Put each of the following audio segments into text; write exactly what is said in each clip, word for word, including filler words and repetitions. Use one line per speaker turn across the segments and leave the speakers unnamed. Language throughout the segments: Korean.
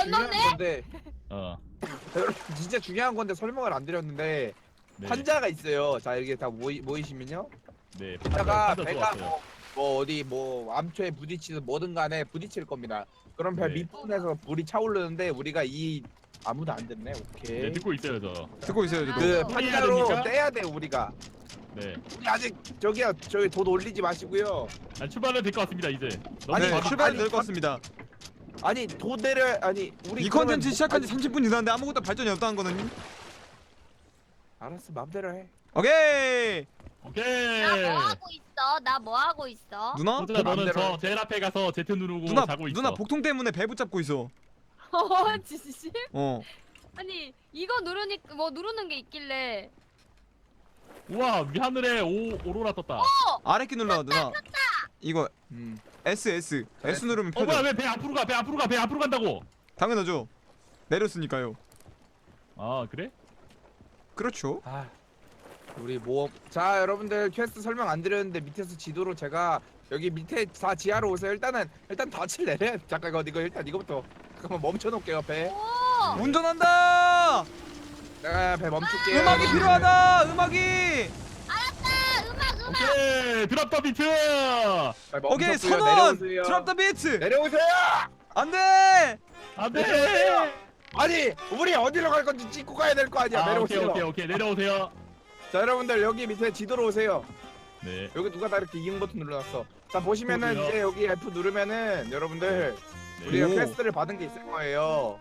중요한
건너네?
건데
어.
진짜 중요한 건데 설명을 안 드렸는데
네.
판자가 있어요. 자 이렇게 다 모이, 모이시면요.
네.
이따가
판자
배가
좋았어요.
뭐, 뭐 어디 뭐 암초에 부딪히든 뭐든 간에 부딪힐 겁니다. 그럼 배
네.
밑부분에서 불이 차오르는데 우리가 이 아무도 안 듣네.
네,
오케이.
듣고 있어요, 저.
듣고 있어요 저도.
그
아,
판자로
됩니까?
떼야 돼 우리가.
네.
우리 아직 저기요 저기 돈 올리지 마시고요.
아, 출발은 될 것 같습니다, 이제. 너무
아니,
네,
바로-
출발이
아니,
될 것 같습니다.
아니 돈 내려 아니 우리
이
그러면
컨텐츠
뭐-
시작한 지
아니,
삼십 분 지났는데 아무것도 발전이 없다는 거는.
알았어 마음대로 해.
오케이.
오케이.
나 뭐 하고 있어? 나 뭐 하고 있어?
누나?
호주야, 너는
마음대로
저
해.
제일 앞에 가서 제트 누르고
누나
자고 있어.
누나 복통 때문에 배 붙잡고 있어.
어 진심?
어.
아니 이거 누르니까 뭐 누르는 게 있길래.
우와, 위 하늘에 오 오로라 떴다. 어,
아래 키 눌러 누나. 이거
음.
S S S 누르면
뭐야,
펴져.
왜 배 앞으로 가? 배 앞으로 가. 배 앞으로 간다고.
당연하죠. 내렸으니까요.
아, 그래?
그렇죠.
아 우리 모험. 자 여러분들 퀘스트 설명 안 드렸는데 밑에서 지도로 제가 여기 밑에 다 지하로 오세요. 일단은 일단 덫을 내려. 잠깐 이거 이거 일단 이거부터 잠깐만 멈춰 놓을게요 배.
오.
운전한다.
내가 배 멈출게요.
음악이 필요하다. 음악이.
알았다. 음악 음악.
오케이, 드랍 더 비트.
배
오케이
멈췄고요.
선원.
내려오세요.
드랍 더 비트.
내려오세요.
안돼.
안돼.
아니 우리 어디로 갈 건지 찍고 가야 될 거 아니야.
아, 오케이,
내려오세요.
오케이, 오케이. 내려오세요.
자 여러분들 여기 밑에 지도로 오세요.
네.
여기 누가 다 이렇게 이응 버튼 눌러놨어. 자 보시면은
저도요.
이제 여기 F 누르면은 여러분들 우리가
오.
퀘스트를 받은 게 있을 거예요.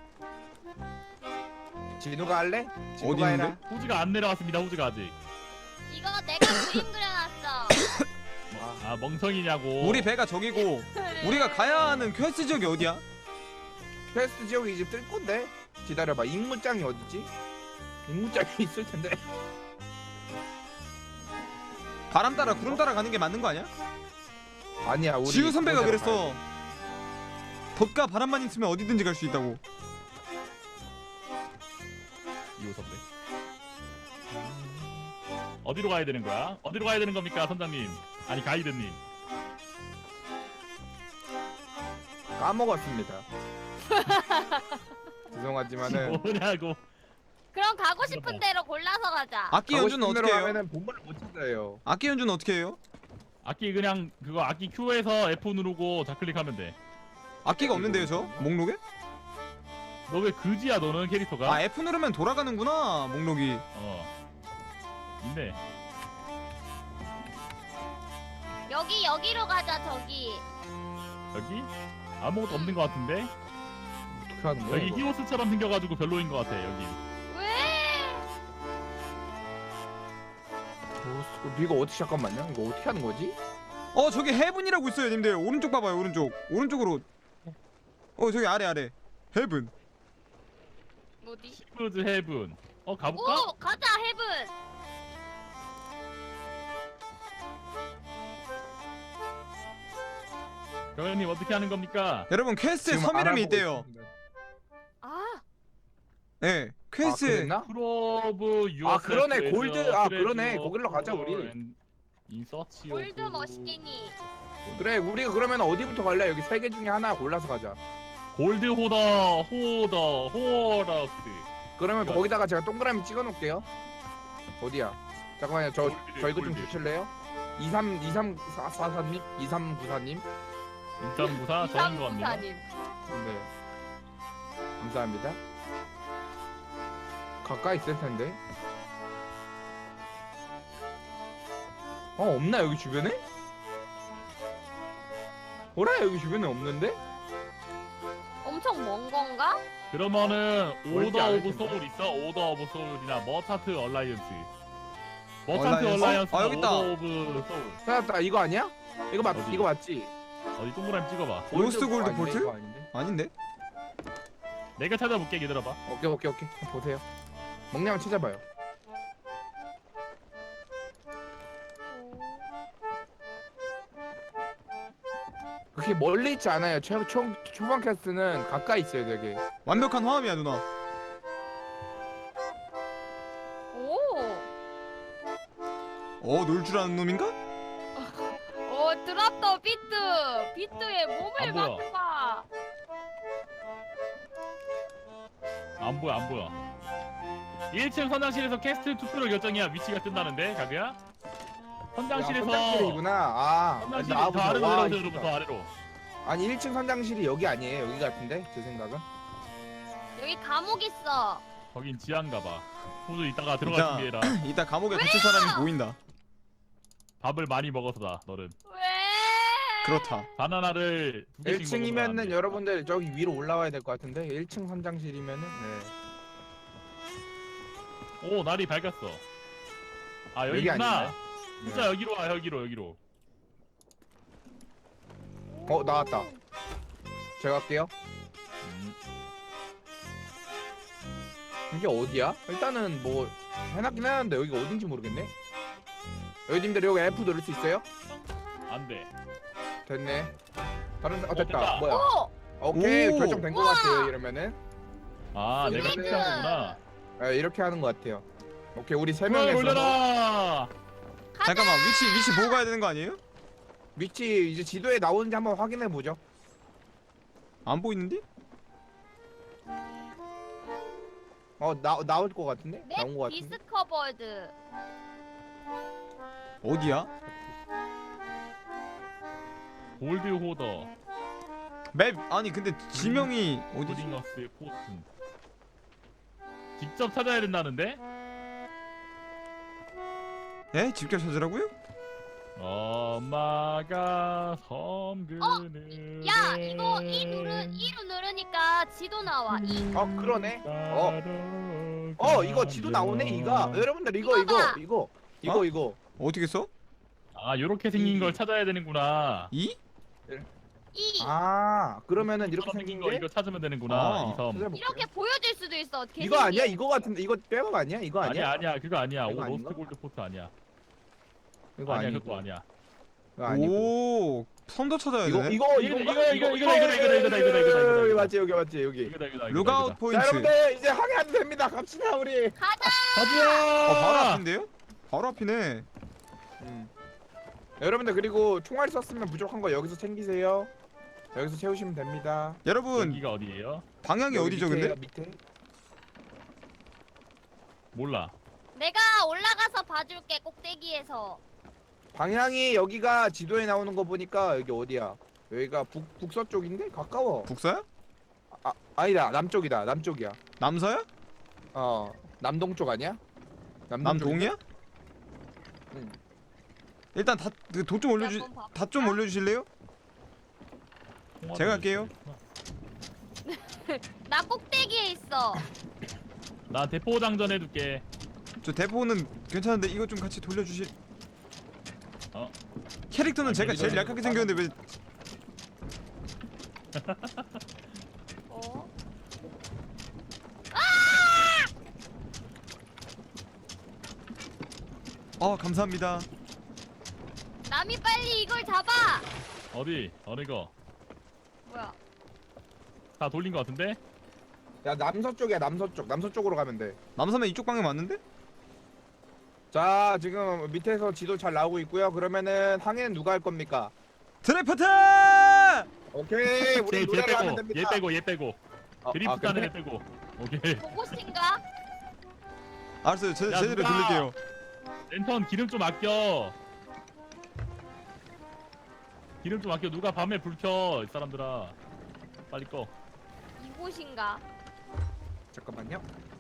진우가 할래?
어디
진우가 해라.
있는데?
호주가 안 내려왔습니다. 호주가 아직.
이거 내가 그림 그려놨어.
아, 멍청이냐고.
우리 배가 저기고 우리가 가야 하는 퀘스트 지역이 어디야?
퀘스트 지역이 이제 뜰 건데 기다려봐. 임무장이 어디지? 임무장이 있을 텐데.
바람 따라 구름 따라 가는 게 맞는 거 아니야?
아니야 우리
지우 선배가
그거대로
그랬어. 덥과 바람만 있으면 어디든지 갈 수 있다고.
이호 선배. 어디로 가야 되는 거야? 어디로 가야 되는 겁니까, 선장님? 아니, 가이드님.
가야- 까먹었습니다. 죄송하지만은
뭐냐고.
그럼 가고 싶은 대로 골라서 가자.
악기
가고
연주는
싶은
어떻게
대로
해요?
하면은 본문을 못 찾아요.
악기 연주는 어떻게 해요?
악기 그냥 그거 악기 Q에서 F 누르고 좌클릭하면 돼.
악기가 없는데요 저? 목록에?
너 왜 그지야 너는 캐릭터가?
아 F 누르면 돌아가는구나 목록이.
어. 있네.
여기 여기로 가자 저기.
여기? 아무것도 없는 것 같은데?
어떻게 하는 거야?
여기
이거?
히오스처럼 생겨가지고 별로인 것 같아 여기.
왜?
어, 이거 어떻게 잠깐만요. 이거 어떻게 하는 거지?
어 저기 헤븐이라고 있어요 님들. 오른쪽 봐봐요 오른쪽. 오른쪽으로. 어 저기 아래 아래. 헤븐.
어디?
시프즈 헤븐. 어 가볼까?
오 가자 헤븐.
경현님 어떻게 하는 겁니까?
여러분 퀘스트에
지금
섬 이름이
알아보고
있대요.
있습니다.
아
네
아,
퀘스트.
그랬나?
프로브 유.
아, 그러네. 골드. 아, 그러네. 거길로 가자, 우리.
인서치.
골드 머시기니.
그래 우리가 그러면 어디부터 갈래? 여기 세 개 중에 하나 골라서 가자.
골드 호더 호더 호러스.
그러면
이거.
거기다가 제가 동그라미 찍어 놓을게요. 어디야? 잠깐만요. 저,
골드,
저 이거 좀
골드.
주실래요? 이삼 이삼사사님 이삼구사님.
인삼부사 저인 거 같네요.
이삼구사님.
네. 감사합니다. 가까이 있을 텐데. 어 없나 여기 주변에? 뭐라 여기 주변에 없는데?
엄청 먼 건가?
그러면은
멀지
오더
않을
오브
텐데.
소울 있어? 오더 오브 소울이나 머타트 얼라이언스. 머타트
얼라이언스?
얼라이언스.
아, 여기 있다.
오더 오브 소울.
찾았다. 이거 아니야? 이거 맞
어디?
이거 맞지?
어디 동그라미 찍어봐.
로스트 골드
아닌데,
볼트?
이거 아닌데?
아닌데?
내가 찾아볼게 기다려봐.
오케이 오케이 오케이 보세요. 먹냐면 찾아봐요. 그렇게 멀리 있지 않아요. 초, 초, 초반 캐스트는 가까이 있어요 되게.
완벽한 화음이야 누나.
오.
어 놀 줄 아는 놈인가?
오 드랍 더 비트. 비트에 몸을
안 보여.
맡겨봐.
안 보여 안 보여. 일 층 선장실에서 캐스트 투표를 결정해야 위치가 뜬다는데 가그야? 선장실에서
선장실이구나. 아,
선장실이
나
더 아래로
와,
내려오세요.
이쁘다.
더 아래로.
아니 일 층 선장실이 여기 아니에요? 여기 같은데 제 생각은.
여기 감옥 있어.
거긴 지하인가봐. 호주 이따가 들어갈
이따-
준비해라.
이따 감옥에 갇힐 사람이 보인다.
밥을 많이 먹어서다 너는.
왜?
그렇다. 바나나를 두 개씩
일 층이면은
먹으면 안 돼.
여러분들 저기 위로 올라와야 될 것 같은데 일 층 선장실이면은 네.
오 날이 밝았어. 아
여기
여기구나.
아닌가요?
진짜
네.
여기로 와 여기로 여기로.
어 나왔다. 제가 갈게요.
음.
이게 어디야? 일단은 뭐 해놨긴 해놨는데 여기가 어딘지 모르겠네. 여기님들 여기 F 누를 수 있어요?
안 돼.
됐네. 다른 데- 어
어,
됐다.
됐다.
뭐야?
오!
오케이
오.
결정된 것
우와.
같아요 이러면은.
아 내가
스네이크.
택시한 거구나.
네, 이렇게 하는 것 같아요. 오케이 우리 세
그걸
명에서
올려라.
잠깐만 위치 위치 보고 가야 되는 거 아니에요?
위치 이제 지도에 나오는지 한번 확인해 보죠.
안 보이는데?
어 나 나올 것 같은데?
맵
나온 것 같은데?
디스커버드.
어디야?
골드 호더.
맵 아니 근데 지명이 어디지?
오딩어스의 포튼. 직접 찾아야 된다는데?
에? 직접 찾으라고요?
엄마가 섬그는.
야 이거 이 누르 이로 누르니까 지도 나와. 이.
어 그러네. 어. 어 이거 지도 나오네 이가. 여러분들 이거 이거
이거다.
이거 이거
어?
이거.
어떻게 써?
아 요렇게 생긴
이.
걸 찾아야 되는구나.
이?
이.
아 그러면은 이렇게
이처럼
생긴
거
게
이거 찾으면 되는구나.
아.
이 섬.
찾아볼게요.
이렇게 보여질 수도 있어. 개
이거 아니야?
신기해.
이거 같은데 이거 백업 아니야? 이거
아니야
아니야?
아니야 그거 아니야.
이거
오
아닌가?
로스트 골드 포트 아니야.
이거
아니야
아니고.
그것도 아니야.
이거 아니고.
오 섬도 찾아야
이거
되네.
이거
이거,
이거
이거, 이거, 이거, 이거다, 이거다, 이거다, 이거다, 이거다, 이거다.
여기 맞지 여기 맞지 여기.
이거다 이거다. 이거다,
룩아웃
이거다.
포인트.
자 여러분들 이제 항해하도 됩니다. 갑시다 우리.
가자.
가자.
어 바로 앞인데요? 바로 앞이네.
음. 여러분들 그리고 총알 썼으면 부족한 거 여기서 챙기세요. 여기서 채우시면 됩니다.
여러분
여기가 어디예요?
방향이
여기
어디죠 근데?
밑에요, 밑에.
몰라.
내가 올라가서 봐줄게 꼭대기에서.
방향이 여기가 지도에 나오는 거 보니까 여기 어디야? 여기가 북 북서쪽인데 가까워.
북서야?
아 아니다 남쪽이다 남쪽이야.
남서야?
어 남동쪽 아니야?
남동이야?
응.
일단 다도 좀 올려주
한번 봐볼까?
다 좀 올려주실래요? 제가 할게요.
나 꼭대기에 있어.
나 대포 장전 해둘게.
저 대포는 괜찮은데 이거 좀 같이 돌려주실.
어?
캐릭터는
아니,
제가
이거
제일
이거
약하게 생겼는데 왜?
어?
어 감사합니다.
남이 빨리 이걸 잡아.
어디? 어느 거?
뭐야?
다 돌린 거 같은데?
야 남서쪽이야 남서쪽 남서쪽으로 가면 돼.
남서면 이쪽 방향 맞는데?
자 지금 밑에서 지도 잘 나오고 있고요. 그러면은 항해는 누가 할 겁니까?
드래프트!
오케이 우리
얘, 얘
노래를 하면
빼고
됩니다.
얘 빼고 얘 빼고
어,
드리프트
아,
하는
그래?
애 빼고. 오케이.
보고신가?
알았어요. 제,
야,
제대로
누가?
돌릴게요.
랜턴 기름 좀 아껴. 기름 좀 아껴. 누가 밤에 불 켜. 이 사람들아. 빨리 꺼.
이곳인가?
잠깐만요.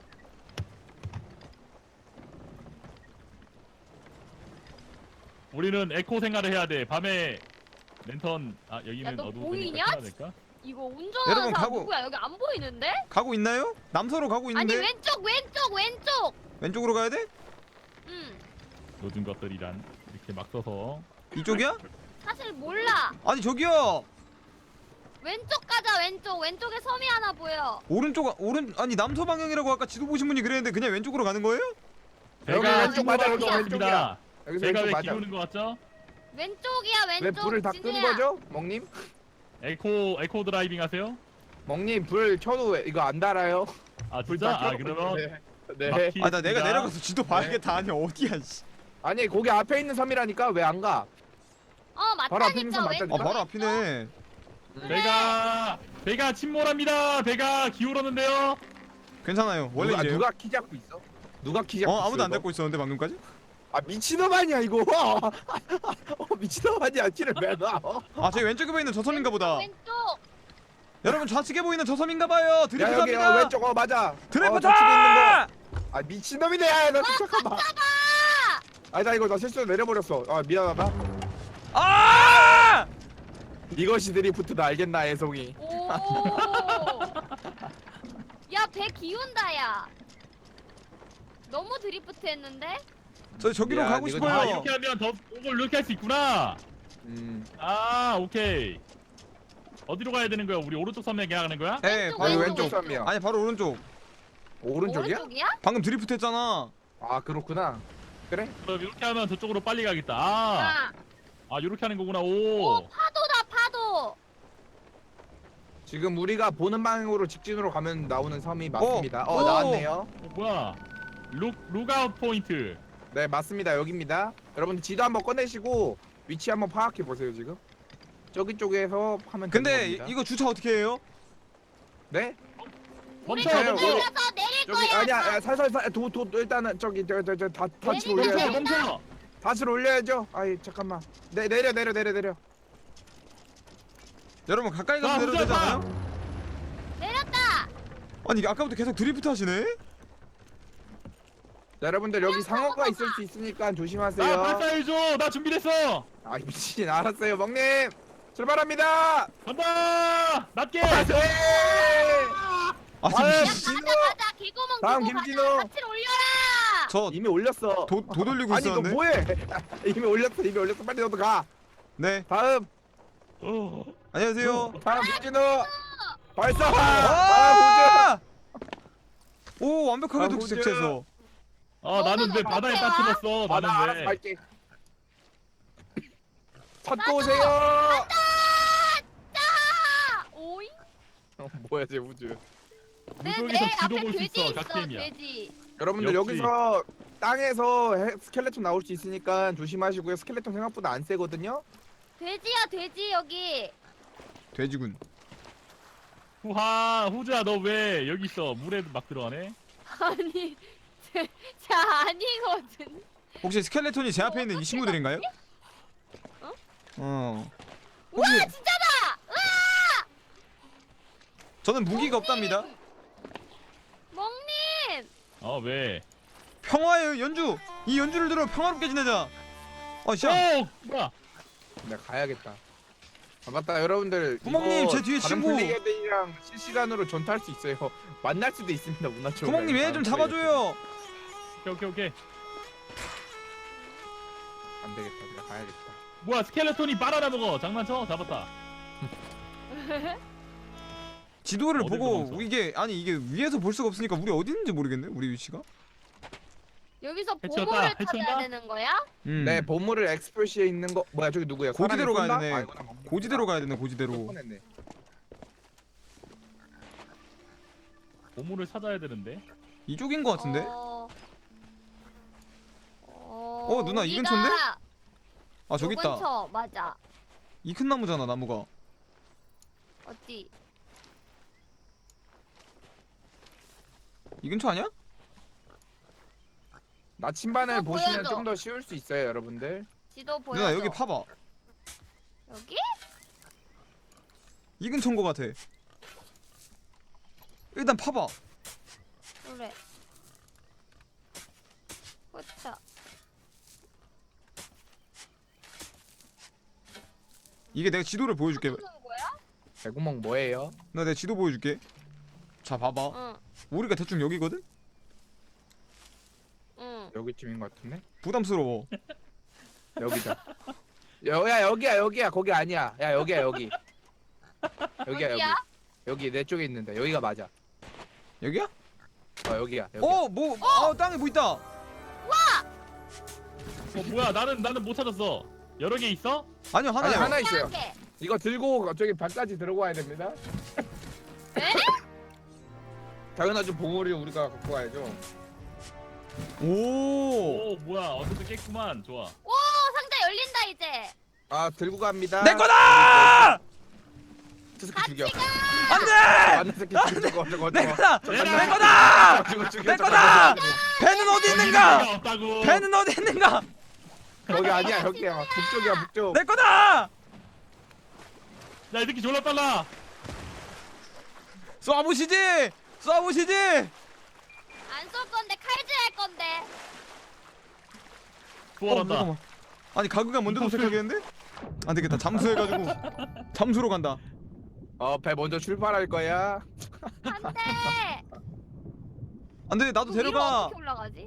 우리는 에코 생활을 해야 돼. 밤에 랜턴 아 여기는
야, 너
어두우니까
보이냐?
켜야 될까?
이거 운전하는
여러분,
사람
가고-
누구야? 여기 안 보이는데?
가고 있나요? 남서로 가고
아니
있는데
왼쪽 왼쪽 왼쪽.
왼쪽으로 가야 돼?
응.
요즘 것들이란 이렇게 막 써서
이쪽이야?
사실 몰라.
아니 저기요.
왼쪽 가자 왼쪽. 왼쪽에 섬이 하나 보여.
오른쪽 오른 아니 남서 방향이라고 아까 지도 보신 분이 그랬는데 그냥 왼쪽으로 가는 거예요?
여기
배가
왼쪽 맞아, 여기
것
왼쪽이야.
같습니다.
여기서
배가
왼쪽
왜
맞아.
기우는 것 같죠?
왼쪽이야 왼쪽.
왜 불을 다 끈
진우야.
거죠, 멍님?
에코 에코 드라이빙 하세요?
멍님 불 켜도 왜- 이거 안 달아요?
아
불
진짜?
다
아
켜놓고
그러면
있는데. 네.
막히
아 나 내가
있습니다.
내려가서 지도 봐야겠다. 아니 어디야 씨.
아니 거기 앞에 있는 섬이라니까 왜 안 가?
어
바로 앞에 있는
맞다니까
섬
아
왼쪽.
맞다니까?
바로 앞이네.
배가 배가 침몰합니다. 배가 기울었는데요.
괜찮아요. 원래
누가,
이래요.
누가 키 잡고 있어? 누가 키 잡고
어
있어?
아무도 안
이거?
잡고 있었는데 방금까지?
아 미친놈 아니야 이거. 어 미친놈 아니야 키를 왜 놔? 어?
아 저기 왼쪽에 보이는 저 섬인가 보다.
왼쪽.
여러분 좌측에 보이는 저 섬인가 봐요.
야
드리프트
여기 어,
합니다.
왼쪽 어 맞아.
드리프트!
어, 저쪽에 있는 거. 아 미친놈이네. 야, 나 잠깐만. 아니 나 이거 나 실수로 내려버렸어. 아 미안하다.
아!
이것이 드리프트다 알겠나 애송이.
오. 야, 배 기운다 야. 너무 드리프트 했는데?
저 저기로
야,
가고
이거
싶어요.
아 이렇게 하면 더 오걸 이렇게 할 수 있구나.
음.
아 오케이. 어디로 가야 되는 거야? 우리 오른쪽 섬에 가는 거야?
네,
왼쪽,
바로
왼쪽,
왼쪽.
왼쪽 섬이야.
아니 바로 오른쪽.
오른쪽이야?
오른쪽이야?
방금 드리프트 했잖아.
아 그렇구나. 그래?
그럼 이렇게 하면 저쪽으로 빨리 가겠다. 아,
아.
아 이렇게 하는 거구나.
오,
오.
파도다 파도.
지금 우리가 보는 방향으로 직진으로 가면 나오는 섬이 맞습니다. 어,
오.
나왔네요.
어, 뭐야? 룩 룩아웃 포인트.
네 맞습니다. 여기입니다. 여러분들 지도 한번 꺼내시고 위치 한번 파악해 보세요 지금. 저기 쪽에서 하면
근데
되는
이,
겁니다.
이거 주차 어떻게 해요?
네?
우리
멈춰
저기
멈춰.
내려서 내릴
저기
거야.
아니야 야, 살살살 도도 일단은 저기 저저저 닫을
내리자.
올려야죠.
멈춰 멈춰.
닫을 올려야죠. 아이 잠깐만. 내 내려 내려 내려 내려.
여러분 가까이 가서
아,
내려도 되지
후자,
않아요?
내렸다.
아니 이게 아까부터 계속 드리프트 하시네?
자, 여러분들 여기 상어가 있을 수 있으니까
나
조심하세요.
발사해줘. 나 준비됐어.
아 미친 알았어요 먹님. 출발합니다.
간다. 낮게.
네.
아
아유,
지금
진호.
가자 가자 개구멍
다음
끼고
김진호.
가자. 같이 올려라.
저
이미 올렸어.
도, 도 돌리고
아니 너
있었는데?
뭐해? 이미 올렸어 이미 올렸어 빨리 너도 가.
네
다음
어.
안녕하세요.
다음 김진호 발사. 아
아! 오 완벽하게
아,
독색해서
아 나는 왜 바다에 빠뜨렸어?
보조. 아나
나는
알아서
왜?
갈게. 찾고 오세요.
자. 오이.
어, 뭐야 쟤 우주.
물속에서 지도
앞에
볼 수
돼지
있어.
있어.
갓게임이야.
돼지.
여러분들
역시.
여기서 땅에서 해- 스켈레톤 나올 수 있으니까 조심하시고요. 스켈레톤 생각보다 안 세거든요.
돼지야 돼지 여기.
돼지군.
후하 후주야 너 왜 여기 있어? 물에 막 들어가네.
아니. 제, 제 아니거든.
혹시 스켈레톤이 제 앞에 있는 이 친구들인가요?
어?
어.
우와
혹시
진짜다. 으아!
저는 무기가 없답니다.
멍님.
어 왜?
평화의 연주. 이 연주를 들어 평화롭게 지내자. 어, 씨.
오 뭐야?
내가 가야겠다. 아, 맞다 여러분들.
구멍님,
이거
제 뒤에
다른
친구.
플레이어들이랑 실시간으로 전투할 수 있어요. 만날 수도 있습니다 문화촌.
구멍님 얘 좀 잡아줘요.
오케이 오케이 오케이.
안 되겠다. 내가 가야겠다.
뭐야 스켈레톤이 바나나 먹어. 장난쳐? 잡았다.
지도를
어딜
보고
도망쳐?
이게 아니 이게 위에서 볼 수가 없으니까 우리 어디 있는지 모르겠네. 우리 위치가.
여기서
해치웠다,
보물을
해치웠다?
찾아야 되는 거야?
음.
네 보물을 엑스프레시에 있는 거 뭐야 저기 누구야?
고지대로
사람이
가야
쏜다?
되네.
아이고, 나 멍청이다.
고지대로 가야 되네. 고지대로.
뻔했네.
보물을 찾아야 되는데.
이쪽인 것 같은데.
어... 어...
어, 누나, 이
여기가
근처인데? 아 저기
요
있다.
근처 맞아.
이 큰 나무잖아 나무가.
어디?
이 근처 아니야?
나침반을
어,
보시면
보여줘.
좀 더 쉬울 수 있어요 여러분들.
지도 보여.
누나 여기 파봐.
여기?
이 근처인 것 같아. 일단 파봐.
그래. 그렇다.
이게 내가 지도를 보여줄게.
하는 거야?
배구멍 뭐예요?
나 내 지도 보여줄게. 자 봐봐.
응.
우리가 대충 여기거든.
응.
여기쯤인 것 같은데?
부담스러워.
여기다. 여야 여기야 여기야 거기 아니야. 야 여기야 여기. 여기야 여기.
어디야?
여기 내 쪽에 있는데 여기가 맞아.
여기야?
어 여기야 여기.
어, 뭐, 어, 땅에 뭐 있다.
어 뭐야 나는 나는 못 찾았어. 여러 개 있어?
아니요,
아니
하나요.
하나 있어요.
이렇게.
이거 들고 저기 발까지 들고 와야 됩니다.
에?
당연하죠 보물이 우리가 갖고 와야죠.
오.
오 뭐야 어쨌든 깼구만. 좋아.
오 상자 열린다 이제.
아 들고 갑니다.
내 거다!
저 새끼 죽여.
안돼!
안돼 새끼 죽여. 저거 저거
내
저거.
거다!
얘들아!
내 거다!
죽여 죽여.
내
저거,
거다!
저거, 저거.
배는 어디 있는가?
없다고.
배는 어디 있는가?
거기 아니야 여기야. 북쪽이야 북쪽.
내 거다!
야, 이 새끼 졸라 빨라.
쏴보시지! 쏴보시지!
안 쏠 건데 칼질할 건데.
어,
부활한다.
잠깐만. 아니 가그가 먼저 도착하겠는데? 안 되겠다. 잠수해가지고 잠수로 간다.
어배 먼저 출발할 거야.
안돼.
안돼 나도
위로
데려가.
어떻게 올라가지?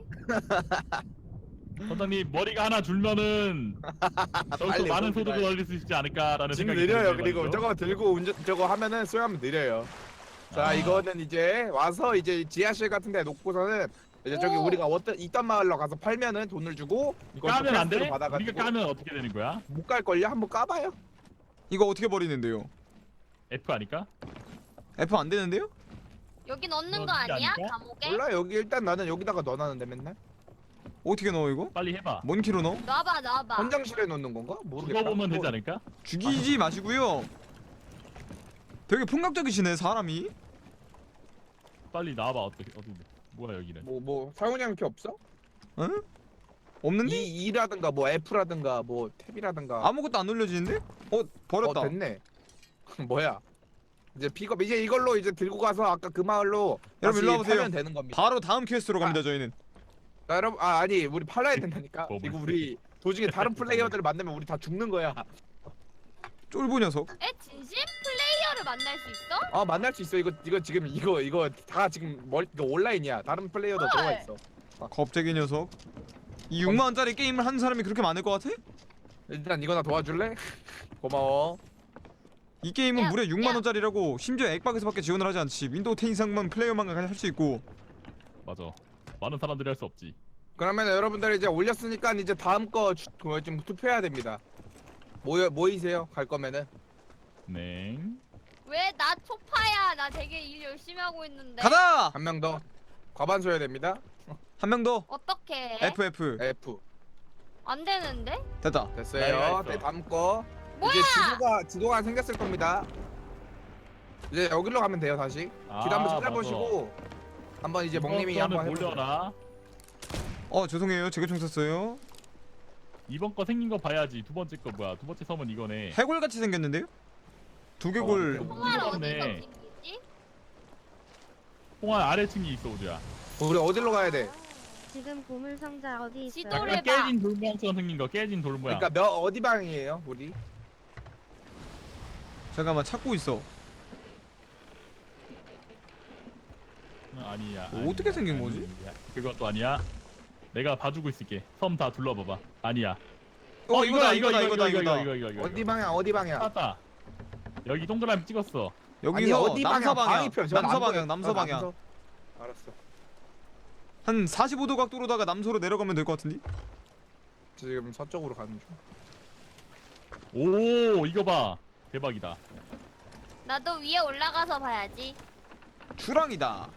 선장님 머리가 하나 줄면은 저기서
빨리
많은
봅니다.
소득을 얻을 수 있지 않을까라는
지금
생각이
느려요.
드는데
그리고
말이죠.
저거 들고 운전 저거 하면은 쏘면 느려요. 자
아.
이거는 이제 와서 이제 지하실 같은데 놓고서는 이제 저기
오.
우리가 어떤 있던 마을로 가서 팔면은 돈을 주고 이걸
까면 안 돼?
받아가지고
우리가 까면 어떻게 되는 거야?
못 갈 걸요? 한번 까봐요.
이거 어떻게 버리는데요?
F 아닐까?
F 안 되는데요?
여기 넣는 거
넣어주지
아니야?
않을까?
감옥에?
몰라 여기 일단 나는 여기다가 넣어놨는데 맨날
어떻게 넣어 이거?
빨리 해봐.
뭔 키로 넣어?
놔봐 놔봐.
현장실에 넣는 건가? 모르겠다.
죽어보면 되지
뭐,
않을까?
죽이지 마시고요. 되게 폭력적이시네 사람이.
빨리 나와봐. 어떻게 어디 뭐야 여기는?
뭐, 뭐 사용량 이렇게 없어?
응? 없는데?
E, E라든가 뭐 F라든가 뭐 탭이라든가
아무것도 안 눌려지는데? 어 버렸다.
어 됐네. 뭐야? 이제 픽업 이제 이걸로 이제 들고 가서 아까 그 마을로
여러분,
다시
일로 와보세요.
팔면 되는 겁니다.
바로 다음 퀘스트로 갑니다 저희는.
자, 여러분 아 아니 우리 팔아야 된다니까.
뭐,
이거
뭐,
우리 도중에 다른 플레이어들을 만나면 우리 다 죽는 거야.
쫄보 녀석.
에 진심? 플레이어를 만날 수 있어?
아 만날 수 있어. 이거 이거 지금 이거 이거 다 지금 멀 이거 온라인이야. 다른 플레이어도
헐.
들어가 있어.
겁쟁이 녀석. 이 육만 원짜리 게임을 하는 사람이 그렇게 많을 것 같아?
일단 이거나 도와줄래? 고마워.
이 게임은
야,
무려 육만
야.
원짜리라고 심지어 엑박에서밖에 지원을 하지 않지. 윈도우 텐 이상만 플레이어만 할 수 있고.
맞아. 많은 사람들이 할 수 없지.
그러면 여러분들 이제 올렸으니까 이제 다음 거좀 투표해야 됩니다. 모여 모이세요. 갈 거면은.
네.
왜 나 초파야? 나 되게 일 열심히 하고 있는데.
가자.
한 명 더. 과반수 해야 됩니다.
한 명 더.
어떻게?
F F.
F.
안 되는데?
됐다.
됐어요.
나이가 있어.
네, 다음 거.
뭐야?
이제 지도가 지도가 생겼을 겁니다. 이제 여기로 가면 돼요 다시.
아,
길 한번 찾아보시고 한번 이제 먹님이 한번 해보세요.
몰려라.
어 죄송해요. 제가 총 쐈어요.
이번 거 생긴 거 봐야지. 두 번째 거 뭐야? 두 번째 섬은 이거네.
해골같이 생겼는데요? 두개골.
어,
통화를 어디서
없네.
생기지?
홍화 아래층이 있어 우주야.
우리 어디로 가야 돼?
지금 보물 상자 어디 있어요?
지도를
약간
봐.
깨진 돌 모양처럼 생긴 거. 깨진 돌 모양.
그러니까 몇 어디 방이에요 우리?
잠깐만 찾고 있어.
어, 아니야.
어, 어떻게 생긴 거지?
아니야. 그것도 아니야. 내가 봐주고 있을게. 섬 다 둘러봐봐. 아니야.
어 이거다 이거다 이거다 이거다.
이거 이거 이거.
어디 방향 어디 방향?
찾았다. 여기 동그라미 찍었어.
여기서
아니, 어디
남서
방향?
방향.
방위표, 저는 안
남서
보여.
방향. 남서
어,
방향.
남서. 알았어.
한 사십오 도 각도로다가 남서로 내려가면 될 것 같은데?
지금 서쪽으로 가는 중.
오 이거 봐. 대박이다.
나도 위에 올라가서 봐야지.
추랑이다.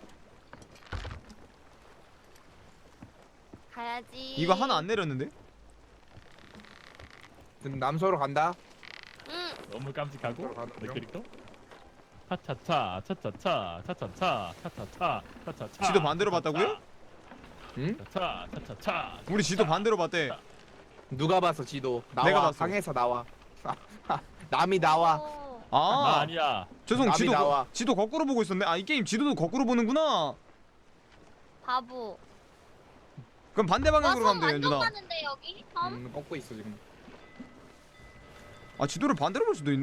가야지.
이거 하나 안 내렸는데?
지금 남서로 간다.
응.
너무 깜찍하고
들어가는
내
중.
캐릭터. 차차차 차차차 차차차 차차차 차차차.
지도 반대로 봤다고요?
응?
차차 차차차.
우리 지도 반대로 봤대.
누가 봤어 지도? 나와.
내가 봤어.
방에서 나와. 남이 나와.
오.
나
아
아니야.
죄송
남이
지도
나와.
지도 거꾸로 보고 있었네. 아 이 게임 지도도 거꾸로 보는구나.
바보.
그럼 반대 방향으로
와서
가면 돼요
완전
연준아.
많은데 여기 섬?
음, 꺾고 있어 지금.
아 지도를 반대로 볼 수도 있네?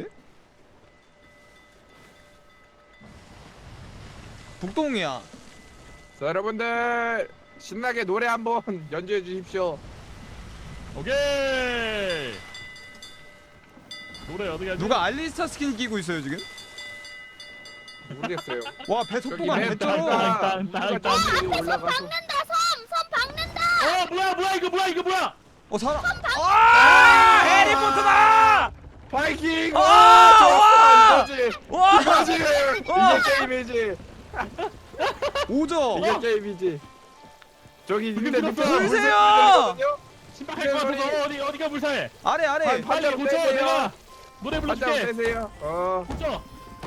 북동이야.
자 여러분들 신나게 노래 한번 연주해 주십시오.
오케이. 노래 어떻게 하지?
누가 알리스타 스킨 끼고 있어요 지금?
모르겠어요.
와 배 속도가
맨
개쩔어.
땅,
땅, 땅,
우리가
땅.
저기 올라가서
박는다 섬! 섬 박는다!
어 뭐야 뭐야 이거 뭐야 이거 뭐야?
어 사람. 아 해리포터다.
바이킹!
아,
와!
와!
좋았어, 이거지!
와
이거지!
와!
이게 게임이지!
오죠.
이게 게임이지! 저기 있는데
불
밑에
불세요!
신발 할거 같아서 어디 어디가 불쌍해?
아래 아래.
반-
빨리
반대로
고쳐
빼세요.
내가 노래
반대로
불러줄게.
빼세요. 어.
고쳐.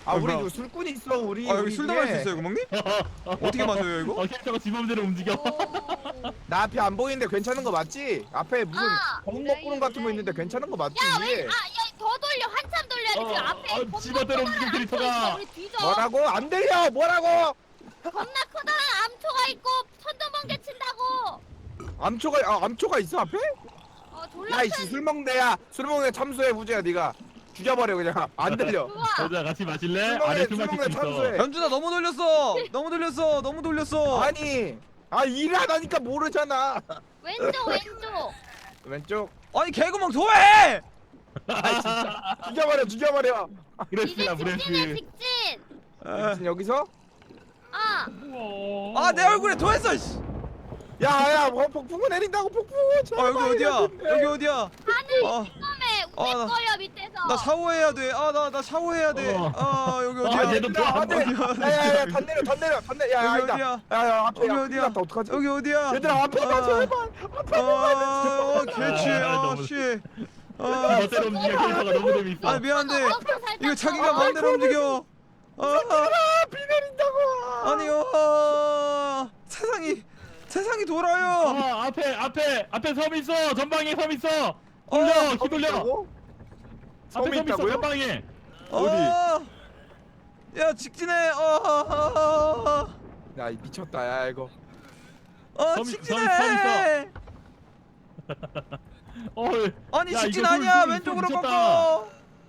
아
아,
우리
뭐야.
이거 술꾼 있어 우리.
아 여기
우리
술
뒤에.
담을 수 있어요 구멍님? 어떻게 마셔요 이거?
어 캐릭터가 지 맘대로 움직여.
오.
나 앞에 안 보이는데 괜찮은 거 맞지? 앞에 무슨
아.
검은 먹구름 같은 거 있는데 괜찮은 거 맞지?
야, 왜? 아, 야, 더 돌려. 한참 돌려야 돼.
어,
지금 앞에
아,
겁나
집어대로
커다란
움직이는
암초
캐릭터가.
있어. 우리 뒤져.
뭐라고? 안 들려. 뭐라고?
겁나 커다란 암초가 있고 천둥번개 친다고.
암초가 아 암초가 있어 앞에?
어, 졸라
야이씨 술 먹는데야 술 먹는 데 참수해 부재야 네가 죽여버려 그냥 안 들려.
좋아.
여자 같이 마실래?
술 먹는
아래
술
술
먹는
마실
데
수 있어.
참수해.
연준아 너무 돌렸어 너무 돌렸어 너무 돌렸어
아니 아 일하다니까 모르잖아.
왼쪽 왼쪽.
왼쪽.
아니 개구멍 소해
아 진짜 죽여버려 죽여버려.
이제
브레스야
직진해
브레스.
직진.
무슨 여기서?
아.
아 내 얼굴에 토했어 씨.
야야 뭐 폭풍우 내린다고 폭풍우.
아
제발
여기 어디야
해야
여기 어디야
하늘
아,
처음에
아, 나-
우거려 밑에서.
나 샤워해야 돼아 나 나 샤워해야
어.
돼아 여기
돼.
어디야
아, 얘도
야,
또
안돼.
어디야
야야야 단 내려 단 내려 단 내려. 야
여기
아니다.
어디야
야야 앞에
여기
야,
어디야
큰일 났다 어떡하지?
여기 어디야
얘들아 앞에 가
아.
제발. 앞에 가.
아 개취
아, 너무-
아씨 아,
멋대로 움직여 캐릭터가 너무 재밌어.
아 미안한데
어, 살짝
이거 자기가
더.
마음대로 움직여 아
비 내린다고.
아니요 아, 세상이 세상이 돌아요
아 앞에 앞에 앞에 섬 있어. 전방에 섬 있어. 돌려
어,
키 돌려.
있다고?
앞에
섬이
섬 있어
있다고요?
전방에.
어디?
어, 야 직진해 어,
야 미쳤다 야 이거.
어
섬이-
직진해
섬이- 어.
아니
야,
직진
이거 술-
아니야
술
왼쪽으로
미쳤다.
꺾어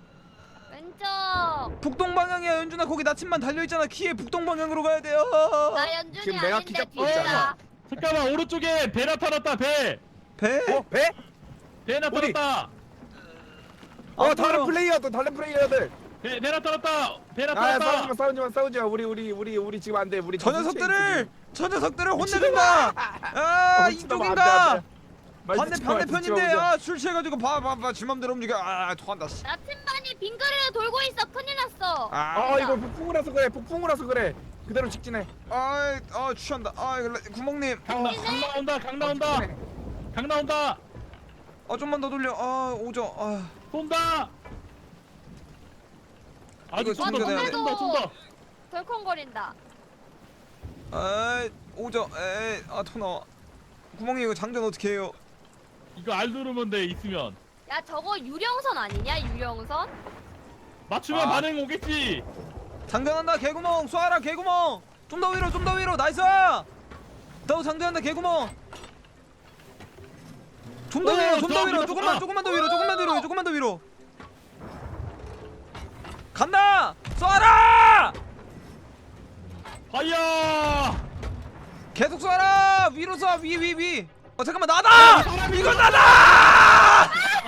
왼쪽.
북동 방향이야 연준아 거기 나침반 달려있잖아 키에 북동 방향으로 가야 돼요
나 연준이
지금 내가
아닌데
기잡고
뒤에다.
있잖아.
잠깐만 오른쪽에 배 나타났다 배.
배?
어 배?
배 나타났다.
어
안
다른
보여.
플레이어들 다른 플레이어들.
배, 배 나타났다. 배
아
나타났다.
싸우지마 싸우지마 싸우지마 우리 우리 우리 우리 지금 안돼 우리
저
정신
녀석들을
체인지
저 녀석들을 혼내준다 아
지금. 어,
이쪽인가
말
반대
듣지 마, 말 듣지
반대편인데
마,
아술 취해가지고 봐봐봐 지 맘대로 움직여 아 토한다 씨.
나침반이 빙그레로 돌고 있어. 큰일 났어.
아 이거 폭풍우라서 그래 폭풍우라서 그래 그대로 직진해.
아, 아 취한다. 아, 이거 레- 구멍님.
강, 나, 강 나온다. 강 나온다.
직진해.
강 나온다.
아, 좀만 더 돌려. 아, 오죠. 아,
쏜다. 아직
이거
좀더
충전해야
좀더
돼.
좀더 좀더.
덜컹거린다.
아, 오죠. 에이, 아, 토 나와. 구멍님 이거 장전 어떻게 해요?
이거 알 누르면 돼 있으면.
야 저거 유령선 아니냐 유령선?
맞추면
아.
반응 오겠지.
장전한다. 개구멍 쏴라. 개구멍. 좀 더 위로. 좀 더 위로. 나이스. 더 장전한다. 개구멍. 좀 더
오,
위로. 좀 더
저
위로.
위로.
조금만
아.
조금만 더 위로. 조금만 더 위로. 조금만 더 위로. 간다. 쏴라.
하야.
계속 쏴라. 위로 쏴. 위 위 위. 어 잠깐만 나다. 이건 나다.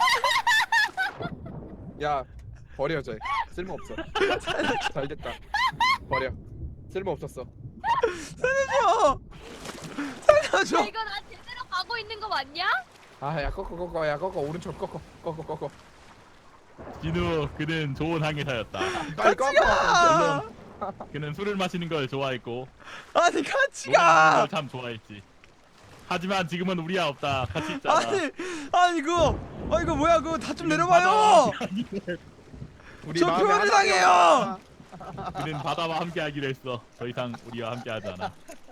야 버려 쟤 쓸모 없어. 잘 됐다 버려 쓸모 없었어.
살려줘.
야
살려줘.
이거 나 제대로 가고 있는 거 맞냐?
아야 꺾어 꺾어 야 꺾어 오른쪽 꺾어 꺾어 꺾어
진우 그는 좋은 항해사였다.
빨리
같이
꺾어.
가.
그는 술을 마시는 걸 좋아했고
아니 같이
노래 부르는
가.
걸참 좋아했지. 하지만 지금은 우리야 없다. 같이 있잖아.
아니 아니 그거 아 이거 뭐야 그거 다 좀 내려봐요.
우리
저
마음에
표현을
하나가
당해요.
없다.
그는 바다와 함께하기로 했어. 더 이상 우리와 함께하지 않아.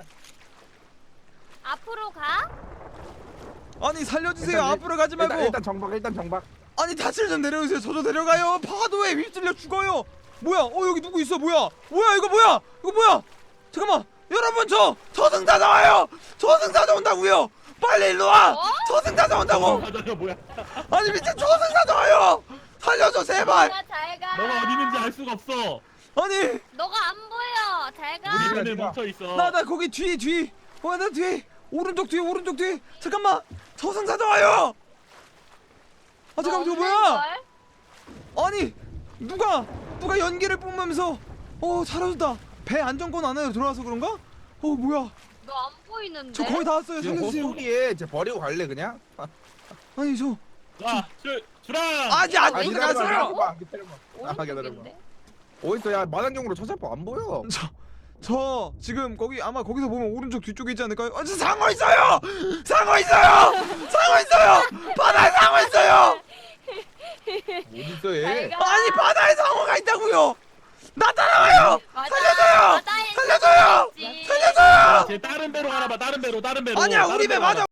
앞으로 가?
아니 살려주세요.
일단,
앞으로 가지 말고.
일단, 일단 정박 일단 정박.
아니 다칠 좀 내려주세요. 저도 내려가요. 파도에 휩쓸려 죽어요. 뭐야? 어 여기 누구 있어? 뭐야? 뭐야 이거 뭐야? 이거 뭐야? 잠깐만. 여러분 저 저승사자 와요. 저승사자 온다고요. 빨리 일로 와.
어?
저승사자 온다고.
바다가 뭐야?
아니 미친 저승사자 와요. 살려줘 제발.
너가 잘 가.
너가 어디 있는지 알 수가 없어.
아니
너가 안 보여. 잘 가.
우리
우리가
눈에
지금-
멈춰 있어.
나 나 거기 뒤 뒤. 어나 뒤. 오른쪽 뒤 오른쪽 뒤. 잠깐만. 저승사자 와요. 아 잠깐만 저거 뭐야? 아니 누가 누가 연기를 뿜으면서 어 잘하셨다. 배 안정권 안에 들어와서 그런가? 어 뭐야?
너 안 보이는데?
저 거의 다 왔어요.
지금
살려주세요.
호수리에 쟤 버리고 갈래 그냥?
아니 저
자, 줄 주랑.
아직
아
안
왜
기다려봐
들어갔어요.
기다려봐 기다려봐. 아 기다려봐.
오른쪽인데?
어딨어 야 만안경으로 찾아봐 안 보여.
저, 저 지금 거기 아마 거기서 보면 오른쪽 뒤쪽에 있지 않을까요? 아, 저 상어 있어요. 상어 있어요. 상어 있어요. 바다에 상어 있어요.
어딨어 얘?
잘 가.
아니 바다에 상어가 있다고요. 나 따라와요.
맞아.
살려줘요!
맞아,
살려줘요!
했지.
살려줘요.
쟤 다른 배로 가나봐. 다른 배로 다른 배로.
아니야
다른
우리 배
배로
맞아.